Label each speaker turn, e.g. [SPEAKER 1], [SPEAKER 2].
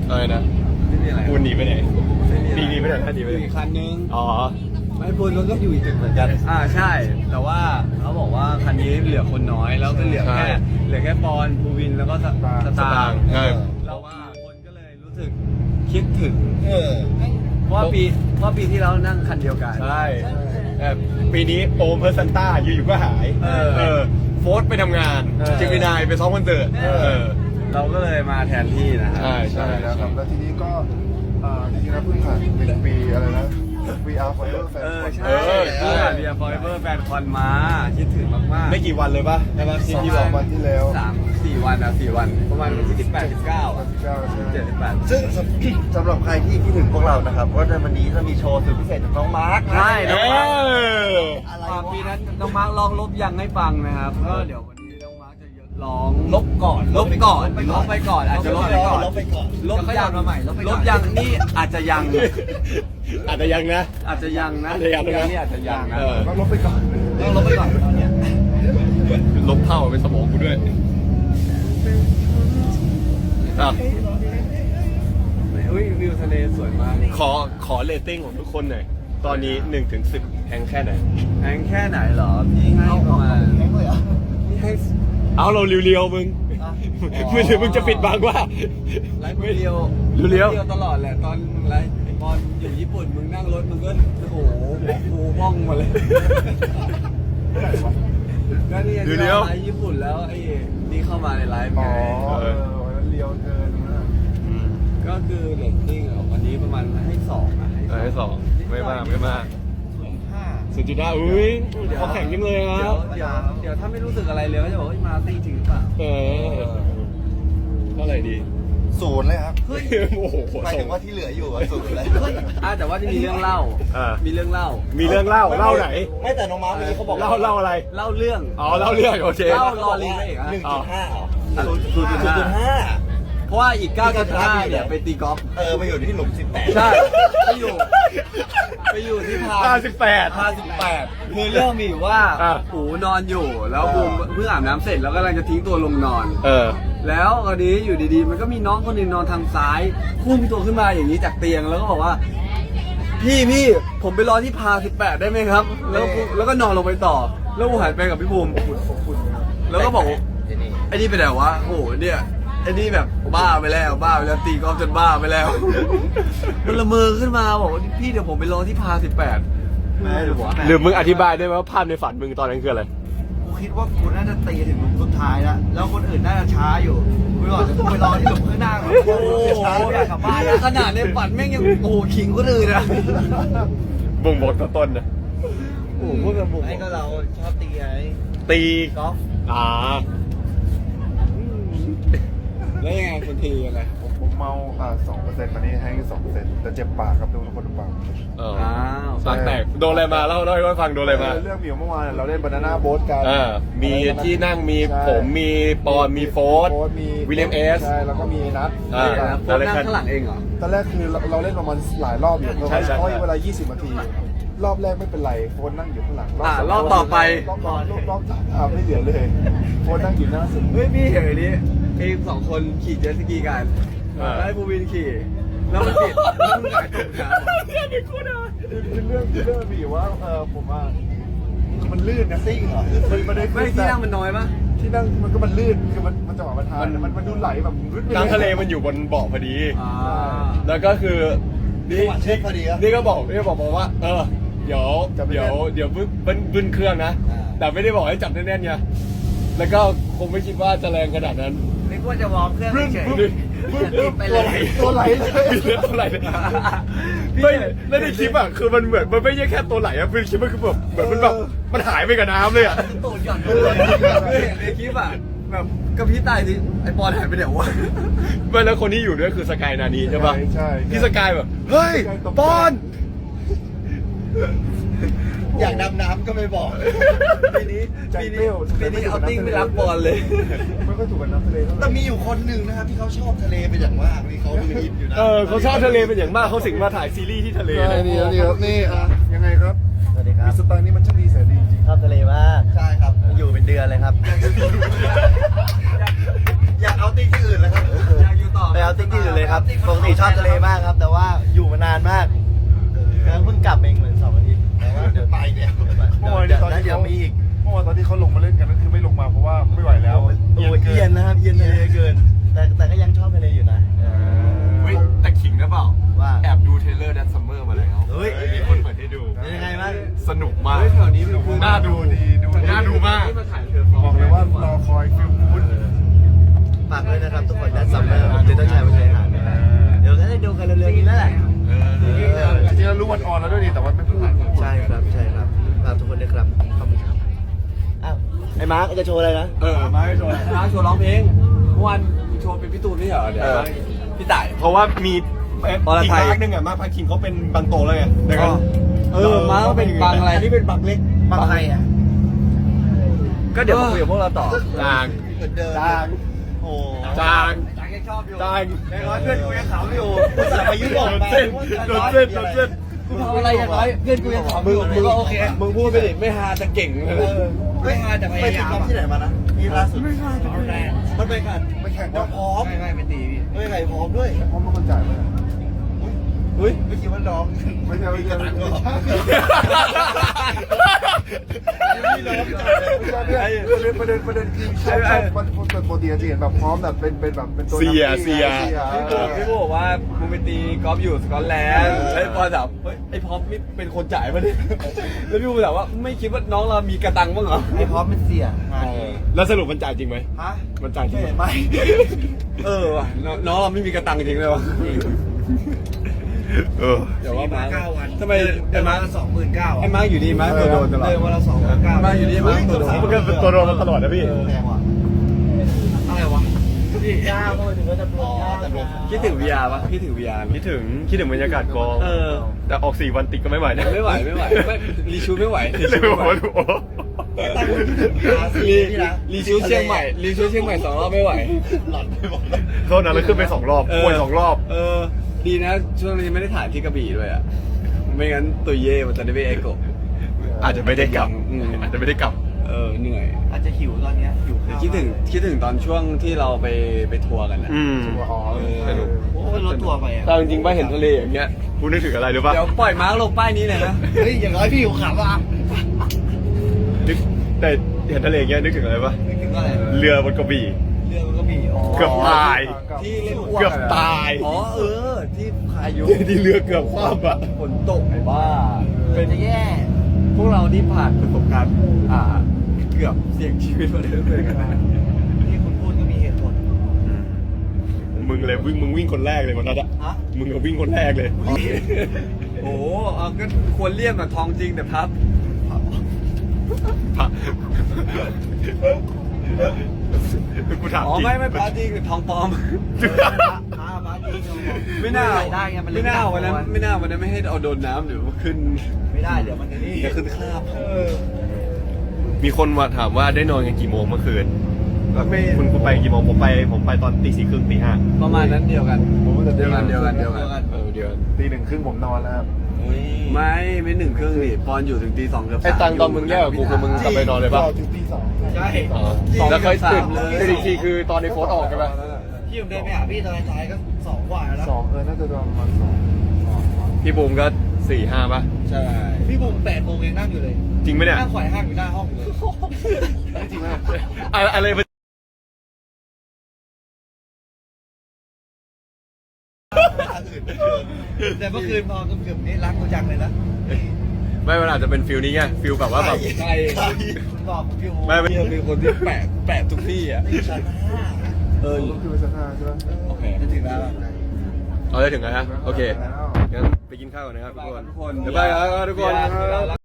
[SPEAKER 1] อะไรนะ
[SPEAKER 2] ไม่มีอะไร
[SPEAKER 1] ปูนหนีไปไหน
[SPEAKER 2] ไม่มีอะไร
[SPEAKER 1] หนีไปไหนหนีไปไหน
[SPEAKER 2] อีกคันนึง
[SPEAKER 1] อ๋อ
[SPEAKER 3] ไม่พูดรถก็อยู่อีกตึกเหมือนกัน
[SPEAKER 2] ใช่แต่ว่าเขาบอกว่าคันนี้เหลือคนน้อยแล้วก็เหลือแค่ปอนภูวินแล้วก็สตางค์
[SPEAKER 1] ใช่
[SPEAKER 2] แล้วว่าคนก็เลยรู้สึกคิดถึง เพราะ
[SPEAKER 1] เพ
[SPEAKER 2] ว่าปีที่แล้วนั่งคันเดียวกัน
[SPEAKER 1] ใช่ปีนี้โอมเพอร์ซันต้าอยู่ๆก็หายโฟร์ไปทำงานเจมินายไปซ้อมคอนเสิร์ต
[SPEAKER 2] เราก็เลยมาแทนที่นะครั
[SPEAKER 1] ใช่
[SPEAKER 4] แล้วครับแล้วทีนี้ก็จริงๆแล้วเพิ่งผ่าน1 ปีอะไรนะ VR Forever Fan
[SPEAKER 2] ใช่เพื่อเรียฟอยเบอร์แฟนคอนมาคิดถึงมากๆ
[SPEAKER 1] ไม่กี่วันเลยป่ะใช่ป่ะที่พี่บ
[SPEAKER 4] ส
[SPEAKER 1] อ
[SPEAKER 4] อก งวันที่แล้ว
[SPEAKER 2] 4 วัน4 วันประมาณวันที่18 19
[SPEAKER 4] 19ใช่ไหม
[SPEAKER 2] 78
[SPEAKER 3] ซึ่งสำหรับใครที่คิดถึงพวกเรานะครับว่าในวันนี้จะมีโชว์สุดพิเศษจากน้องมาร์ค
[SPEAKER 2] ใช่น้องมาร์ค
[SPEAKER 3] อะไร
[SPEAKER 2] ปีนั้นน้องมาร์คลองลบยังให้ฟังนะครับก็เดี๋ยววันนี้น้องมาร์คจะร้อง
[SPEAKER 3] ลบก่อน
[SPEAKER 2] ลบไปก่อนอาจจะลบไปก่อน
[SPEAKER 3] ลบไปก่อน
[SPEAKER 2] ลบยัง
[SPEAKER 3] มาใหม่ลบไป
[SPEAKER 2] ล
[SPEAKER 3] ก่อน
[SPEAKER 2] บยังนี่อาจจะยัง
[SPEAKER 1] อาจจะยังนะ
[SPEAKER 2] อาจจะยังนะ
[SPEAKER 1] อาจจะยังนะ
[SPEAKER 2] นี่อาจจะยังนะ
[SPEAKER 4] ต้องลบไปก่อน
[SPEAKER 3] ต้องลบไปก่อนตอนเนี้ย
[SPEAKER 1] ลบเท่าเป็นสมองกูด้วยอ่ะ
[SPEAKER 2] อุ้ยวิวทะเลสวยมาก
[SPEAKER 1] ขอเรตติ้งของทุกคนหน่อยตอนนี้1 ถึง 10แพงแค่ไหน
[SPEAKER 2] แพงแค่ไหนเหรอพี่ให้ประมาณ
[SPEAKER 3] แข็งเลยเหรอ
[SPEAKER 2] พี่ให้
[SPEAKER 1] เอาเราเรียวๆมึงไม่ถึงมึงจะปิดบังว่า
[SPEAKER 2] ไลฟ์เรียว
[SPEAKER 1] เรียว
[SPEAKER 2] ตลอดแหละตอนไลฟ์ตอนอยู่ญี่ปุ่นมึงนั่งรถมึงก็โอ้โหกูบ้องมาเลยก็นี่ไลฟ์ญี่ปุ่นแล้วไอ้นี่เข้ามาในไลฟ์
[SPEAKER 4] อ๋
[SPEAKER 2] ไง
[SPEAKER 4] อเลียวเกินนะ
[SPEAKER 2] ก็คือเรตติ้งวันนี้ประมาณให้2นะ
[SPEAKER 1] ให้2ไม่มาก0.5อุ้ยเขาแข่งยังเลยครับ
[SPEAKER 2] เดี๋ยวถ้าไม่รู้สึกอะไรเลยก็จะบอกว่ามาตี้จริงหรือเปล่า
[SPEAKER 1] เท่าไหร่ดี
[SPEAKER 4] 0เลยครับ
[SPEAKER 1] โอ้โห
[SPEAKER 4] หมายถึงว่าที่เหลืออยู่0เลย
[SPEAKER 2] แต่ว่าจะมีเรื่องเล่ามีเรื่องเล่า
[SPEAKER 1] มีเรื่องเล่าไหน
[SPEAKER 3] ไม่แต่น้องมาร์คเมื่อกี้เขาบอก
[SPEAKER 1] เล่าอะไร
[SPEAKER 2] เล่าเรื่อง
[SPEAKER 1] อ๋อเล่าเรื่องโอเค
[SPEAKER 2] เล่ารอลิงได้อีก
[SPEAKER 3] 1.5เหรอ
[SPEAKER 2] เพราะว่าอีก 9.5 เนี่ยไปตีกอล์ฟ
[SPEAKER 3] ไปอยู่ที่หลุม18
[SPEAKER 2] ใช่ไปอยู่ที่พา
[SPEAKER 1] 58
[SPEAKER 2] คือเรื่องมีอยู่ว่า หูนอนอยู่แล้วบูมเพิ่งอาบน้ำเสร็จแล้วกำลังจะทิ้งตัวลงนอน แล้วคราวนี้อยู่ดีๆมันก็มีน้องคนหนึงนอนทางซ้ายพุ่งตัวขึ้นมาอย่างนี้จากเตียงแล้วก็บอกว่าพี่ผมไปรอที่พา18ได้ไหมครับ แล้วก็นอนลงไปต่อแล้วบูมหันไปกับพี่บูมแล้วก็บอกไอ้นี่ไปไหนวะโอ้โหเนี่ยไอ้นี่แบบบ้าไปแล้วตีกอล์ฟจนบ้าไปแล้ว มันละเมอขึ้นมาบอกว่าพี่เดี๋ยวผมไปรอที่พา18ไม่หรือวะ
[SPEAKER 1] หรือมึงอธิบายได้ไหมว่าภาพในฝันมึงตอนนั้นคืออะไร
[SPEAKER 3] กูคิดว่ากูน่าจะตีถึงหลุมสุดท้ายแล้วแล้วคนอื่นน่าจะช้าอยู่กูบอกจะไปรอที่หลุมข้างหน้าก่อน
[SPEAKER 2] โอ้โห
[SPEAKER 3] ช้าอยากกลับบ้าน
[SPEAKER 2] ขนาดในฝันแม่งยังโอ้โหขิงคนอื่นนะ
[SPEAKER 1] บ่งบอกต่อต้นนะ
[SPEAKER 2] โอ้โหพูดกับผม
[SPEAKER 3] ไอ้ก็เราชอบตีไง
[SPEAKER 1] ตี
[SPEAKER 3] กอล์ฟ
[SPEAKER 2] แล้วยังไงคนทีอะไร
[SPEAKER 4] ผมเมา2%ตอนนี้แห้งอยู่2%แต่เจ็บปากครับทุกคนดูปาก
[SPEAKER 1] ปากแตกโดนอะไรมาเล่าให้ฟังโดนอะไรมา
[SPEAKER 4] เรื่องมีอยู่เมื่อวานเราเล่นบานาน่าโบ๊ทกัน
[SPEAKER 1] มีที่นั่งมีผมมีปอนมีโฟร์วิลเลียมเอส
[SPEAKER 4] ใช่แล้วก็มีนัท
[SPEAKER 2] โฟนนั่งข้างหลังเองเหรอ
[SPEAKER 4] ตอนแรกคือเราเล่นประมาณหลายรอบอยู่เพราะว่าเวลา20 นาที รอบแรกไม่เป็นไรโฟนนั่งอยู่ข้างหลัง
[SPEAKER 2] รอบต่อไป
[SPEAKER 4] รอบไม่เหลือเลยโฟนนั่งอยู่หน้าสุด
[SPEAKER 2] เฮ้ยพี่เห็นนี้เอง2 คนขี่เจ็ตสกีกันแล้วให้บูวินขี่แล้วมันติดแล้วมันหงายตกน้ำ
[SPEAKER 4] คือเรื่องมีอยู่ว่าผมว่ามันลื่นนะซิ่งเหรอมันได้
[SPEAKER 2] ไม่ที่นั่งมันน้อยปะ
[SPEAKER 4] ที่นั่งมันลื่นคือมันจังหวะมันทานมันดูไหลแบบ
[SPEAKER 1] กลางทะเลมันอยู่บนเบาะพอดี แล้วก็คือนี่
[SPEAKER 3] เช็คพอดีครับ
[SPEAKER 1] นี่ก็บอกว่าเดี๋ยวบึ้นเครื่องนะ แต่ไม่ได้บอกให้จับแน่นๆไงแล้วก็คงไม่คิดว่าจะแรงขนาดนั้น
[SPEAKER 2] นึกว่าจะวอร์มเครื่องเฉย
[SPEAKER 3] ไปเลย
[SPEAKER 4] ตัวไหล
[SPEAKER 1] ตัวไหลไม่แล้วในคลิปอ่ะคือมันเหมือนมันไม่ใช่แค่ตัวไหลอ่ะเป็นคลิปมันคือแบบเหมือนมันแบบมันหายไปกับน้ำเลยอ่ะ
[SPEAKER 2] ตูดหย่อนเลยในคลิปอ่ะแบบกับพี่ตายดิไอปอนหายไปเดี๋ยววะ
[SPEAKER 1] ไม่แล้วคนที่อยู่ด้วยคือสกายนานีใช่ปะ
[SPEAKER 4] ใช่
[SPEAKER 1] พี่สกายแบบเฮ้ยปอน
[SPEAKER 3] อยากดำน้ำก็ไม่บอก
[SPEAKER 2] ปีนี้เอาติ้งไม่รับบอลเลย
[SPEAKER 4] ไม่ค่อยถูกกับน้ำทะเลเท่าไห
[SPEAKER 3] แต่
[SPEAKER 4] ร่
[SPEAKER 3] มีอยู่คนหนึ่งนะครับที่เขาชอบทะเลเป็นอย่างมากนี่เขาดูอินอยู่นะ
[SPEAKER 1] เขาชอบทะเลเป็นอย่างมากเขาสิงมาถ่ายซีรีส์ที่ทะเลเลย
[SPEAKER 4] นี่ครับนี่ยังไงครับ
[SPEAKER 3] สวัสดีครับ
[SPEAKER 4] สไตล์นี้มันช่างดีแสนดีจริง
[SPEAKER 3] ชอบทะเลมากใช่ครับอยู่เป็นเดือนเลยครับ อยากเอาติ้งที่อื่นแล้วครับ
[SPEAKER 2] อยากอยู่
[SPEAKER 3] ไปเอาติ๊กที่อื่นเลยครับปกติชอบทะเลมากครับ แต่ว่าอยู่มานานมากแล้วเพิ่งกลับเองเหมือน2 อาทิตย์แต่ว่าเดี๋ยวไปเดี๋ยว
[SPEAKER 4] เมื่อวานนี้ตอนที่
[SPEAKER 3] เดี๋ยว
[SPEAKER 4] เขา
[SPEAKER 3] มีอีก
[SPEAKER 4] เมื่อวานตอนที่เขาลงมาเล่นกันนั่นคือไม่ลงมาเพราะว่าไม่ไหวแล้ว
[SPEAKER 3] โอ้ยเย็นนะครับเย็นทะเลเกิน แต่ก็ยังชอบทะเลอยู่นะ
[SPEAKER 1] เฮ้ยแต่ขิงนะเปล่า
[SPEAKER 3] ว่า
[SPEAKER 1] แอบดูเทรลเลอร์ดันซัมเมอร์มาแล้ว
[SPEAKER 3] เฮ้ย
[SPEAKER 1] มีคนเปิดให้ดู
[SPEAKER 3] เป็นยังไงบ้าง
[SPEAKER 1] สนุกมาก
[SPEAKER 2] แถวนี้เป็น
[SPEAKER 1] น่าดู
[SPEAKER 4] ดูดี
[SPEAKER 1] น่าดูมาก
[SPEAKER 2] ที่มาถ่ายเธอ
[SPEAKER 4] บอกเลยว่ารอคอยฟิลกู๊ด
[SPEAKER 3] ฝากด้วยนะครับทุกคนด้านซัมเมอร์ผมจะต้องใช้มาใช้หาเดี๋ยวก็ได้ดูกันเร็วๆนี้แล้วแหละ
[SPEAKER 4] จริงๆเรารู้วันออนแล้วด้วยดีแต่ว่าไม่พูด
[SPEAKER 3] ใช่ครับฝากทุกคนด้วยครับขอบคุณครับอ้าวไอ้มาร์กจะโชว์อะไรนะ
[SPEAKER 4] มาให้โชว์
[SPEAKER 2] ร้านโชว์ร้องเพลงเมื่อวานโชว์เป็นพี่ตูนไม่ใช่เหรอเดี๋ยวพี่ต่าย
[SPEAKER 1] เพราะว่ามี
[SPEAKER 2] อร
[SPEAKER 1] อีก
[SPEAKER 2] ไทย
[SPEAKER 1] ภาคหนึงอ่ะมาพักคิงเขาเป็นบางโตแล้วไงดังนั้น
[SPEAKER 2] มาก็เป็นบางอะไรนี่เป็นบางเล็ก
[SPEAKER 3] บางใครอ่ะ
[SPEAKER 2] ก็เดี๋ยวมาคุยกับพวกเราต่อ
[SPEAKER 1] จาง
[SPEAKER 3] เหมือนเดิมโอ้
[SPEAKER 1] จาง
[SPEAKER 3] ยังชอบอยู่
[SPEAKER 1] จาง
[SPEAKER 3] ยังน้อยเพื่อนกูยังขำอยู่แต่ไปยุโรป
[SPEAKER 1] โดน
[SPEAKER 3] ไป
[SPEAKER 1] เส้นโดนเส้นโดนเส้น
[SPEAKER 2] กูทำอะไรอย่างไรเพื่อนกูยังขำอยู่มึงก็โอเคมึงพูดไปดิไม่ฮาจะเก่งเลย
[SPEAKER 3] ไม่ฮาแต่พยายามที่ไหนมานะนี่ล่าสุดไม่ฮาแต่พยายามมันไปกัน
[SPEAKER 4] ไปแข่ง
[SPEAKER 3] ว่า
[SPEAKER 4] ว่า
[SPEAKER 3] พร้อมไม่ตีพี่ไม่ใครพร้อมด้วย
[SPEAKER 4] พร้อมเป็นคนจ่ายไหม
[SPEAKER 2] เฮ้ย
[SPEAKER 3] ไม่คิดว่าน้อง
[SPEAKER 4] ไม่ใช่ไม่ใช่ไม่ใช่ไม่ใช่ประเด็นคือชอบมันปกติจะเห็นแบบพร้อมแบบเป็นแบบเป็นตัว
[SPEAKER 1] เสีย
[SPEAKER 2] พี่โบบอกว่ามึงไปตีกอล์ฟอยู่สกอตแลนด์ไอ้ปอถามเฮ้ยไอ้พร้อมนี่เป็นคนจ่ายมาดิแล้วพี่โบถามว่าไม่คิดว่าน้องเรามีกระตังบ้างเหรอ
[SPEAKER 3] ไอ้พร้อมเป็นเสียงาน
[SPEAKER 1] แล้วสรุปมันจ่ายจริงไหม
[SPEAKER 3] ฮะ
[SPEAKER 1] มันจ่ายจริงไหม
[SPEAKER 3] ไม่
[SPEAKER 2] ว่ะน้องเราไม่มีกระตังจริงเลยวะ
[SPEAKER 3] เดี๋ยวว่ามา9 วัน
[SPEAKER 2] ทำไม
[SPEAKER 3] เดินมาละ29,000
[SPEAKER 2] ไอ้มาร์กอยู่ดีมาร์กตัวโดนตลอด
[SPEAKER 3] เดินมาละ29,000
[SPEAKER 2] มาอยู่นี่มาตัวโดน
[SPEAKER 1] มันก็เป็นตัวโดนมาตลอดนะพี่
[SPEAKER 3] แพงว่ะอะไรวะพี่ยากทำไมถึงว่าจะปลงยากแต่ปลง
[SPEAKER 2] คิดถึง VR ปะคิดถึง VR ไหม
[SPEAKER 1] คิดถึงบรรยากาศกอง แต่ออก4 วันติดก็ไม่ไหวนะ
[SPEAKER 2] ไม่ไหวไม่รีชูไม่ไหว
[SPEAKER 1] เลยบอกว่าโอ้
[SPEAKER 2] รีชูเชียงใหม่รีชูเชียงใหม่2 รอบไม่ไหว
[SPEAKER 3] หลอนไปหมดเลย
[SPEAKER 1] โทษนะแล้วขึ้นไป2 รอบป่วย2 รอบ
[SPEAKER 2] ดีนะช่วงนี้ไม่ได้ถ่ายที่กระบี่ด้วยอ่ะไม่งั้นตัวเย่มันจะได้ไปเอโกะ
[SPEAKER 1] อาจจะไม่ได้กลับอาจจะไม่ได้กลับ
[SPEAKER 2] เหนื่อย
[SPEAKER 3] อาจจะหิวตอนเนี้ยหิวข้าว
[SPEAKER 2] คิดถึงตอนช่วงที่เราไปทัวร์กันนะ
[SPEAKER 1] สนุก
[SPEAKER 3] โอ้ยรถทัวร์ไปอ่ะ
[SPEAKER 2] แต่จริงๆว่าเห็นทะเลอย่างเงี้ย
[SPEAKER 1] คุณนึกถึงอะไรหรือเปล่า
[SPEAKER 2] เดี๋ยวปล่อยมาร์กลงป้ายนี้เลยนะ
[SPEAKER 3] เฮ้ยอย่างน้อยพี่หิวขำอ่ะ
[SPEAKER 1] นึกแต่เห็นทะเลอย่างเงี้ยนึกถึงอะไรปะ
[SPEAKER 3] นึกถึงอะไร
[SPEAKER 1] เรือบนกระบี่
[SPEAKER 3] เรือมันก็มีอ๋อ
[SPEAKER 1] เกือบตาย
[SPEAKER 2] ที่เล่นอ้วก
[SPEAKER 1] เกือบตาย
[SPEAKER 2] อ๋อที่พายุ
[SPEAKER 1] ที่เรือเกือบคว่ำอ่ะ
[SPEAKER 2] ฝนตกไอ้บ้า
[SPEAKER 3] เป็นจะแย่
[SPEAKER 2] พวกเราที่ผ่านประสบการณ์เกือบเสี่ยงชีวิตมาเลยด้วยกันนะ
[SPEAKER 3] ที่คุณพูดก็มีเหตุผล
[SPEAKER 1] มึงวิ่งคนแรกเลยวันนั้นอะ
[SPEAKER 3] ฮะ
[SPEAKER 1] มึงก็วิ่งคนแรกเลย
[SPEAKER 2] โอ้โหก็ควรเลี่ยมอะทองจริงแต่พับ
[SPEAKER 1] กูถาม
[SPEAKER 2] อ๋อ
[SPEAKER 1] จริง
[SPEAKER 2] ไม่พับจริงแต่ทองปลอม
[SPEAKER 3] มาจริง
[SPEAKER 2] ไม่น่า
[SPEAKER 3] ได้ไงมัน
[SPEAKER 2] ไม่น่าวันนั้นไม่ให้เอาโดนน้ำเดี๋ยวขึ้น
[SPEAKER 3] ไม่ได้เดี๋ยวมันจะนี่
[SPEAKER 2] จะขึ้นคราบ
[SPEAKER 1] มีคนมาถามว่าได้นอนกันกี่โมงเมื่อคืน
[SPEAKER 2] ไม่
[SPEAKER 1] คุณไปกี่โมงผมไปตอนตี 4 ครึ่งตี 5
[SPEAKER 2] ประมาณนั้นเดียวกัน
[SPEAKER 4] ผมว่าจะ
[SPEAKER 2] เดียวกัน
[SPEAKER 1] เดียว
[SPEAKER 4] ตี 1 ครึ่งผมนอนแล้ว
[SPEAKER 2] ไม่1 ครึ่งนี่ปอนอยู่ถึงตี 2 เกือบ
[SPEAKER 1] ไอ้ตังตอนมึงแยกกับกูคือมึงกลับไปนอนเลยป่ะ
[SPEAKER 4] ถึงตี 2
[SPEAKER 3] ใช่
[SPEAKER 1] แล้วเคยตื่นอีกทีคือตอนในโฟนออกใช่ไหม
[SPEAKER 3] พี่ผมเดินไปหาพี่ตอนท้ายก็2 กว่าแล้ว
[SPEAKER 4] 2น่าจะประมาณ2
[SPEAKER 1] พี่บูมก็4-5ป่ะ
[SPEAKER 2] ใช่
[SPEAKER 3] พี่บุ๋ม8 โมงยังนั่งอยู่เลย
[SPEAKER 1] จริงไหมเนี่ย
[SPEAKER 3] นั่งไขว่ห้างอยู่หน้าห้องอยู่เลย
[SPEAKER 4] จริงไหม
[SPEAKER 1] อะไรมัน
[SPEAKER 3] แต่เมื่อคืนพอเกือบนี้รักกูจังเลยนะ
[SPEAKER 1] ไม่มันอาจจะเป็นฟิลนี้ไงฟิลแบบว่าแบบ
[SPEAKER 2] ใช่
[SPEAKER 3] บอกพี่โอ
[SPEAKER 1] ไม่
[SPEAKER 2] พี่เป็นคนที่แปะทุกที่อ่ะ
[SPEAKER 3] ชั้น
[SPEAKER 4] ก็คือเป็นสถานใช่ไหม
[SPEAKER 2] โอเค
[SPEAKER 3] 5จะถึงแล้ว
[SPEAKER 1] เอาได้ถึงแล้วฮะโอเค
[SPEAKER 4] แล้ว
[SPEAKER 1] งั้นไปกินข้าวก่อนนะครับทุกคน
[SPEAKER 2] ทุกคน
[SPEAKER 1] บ๊ายบายครับทุกคน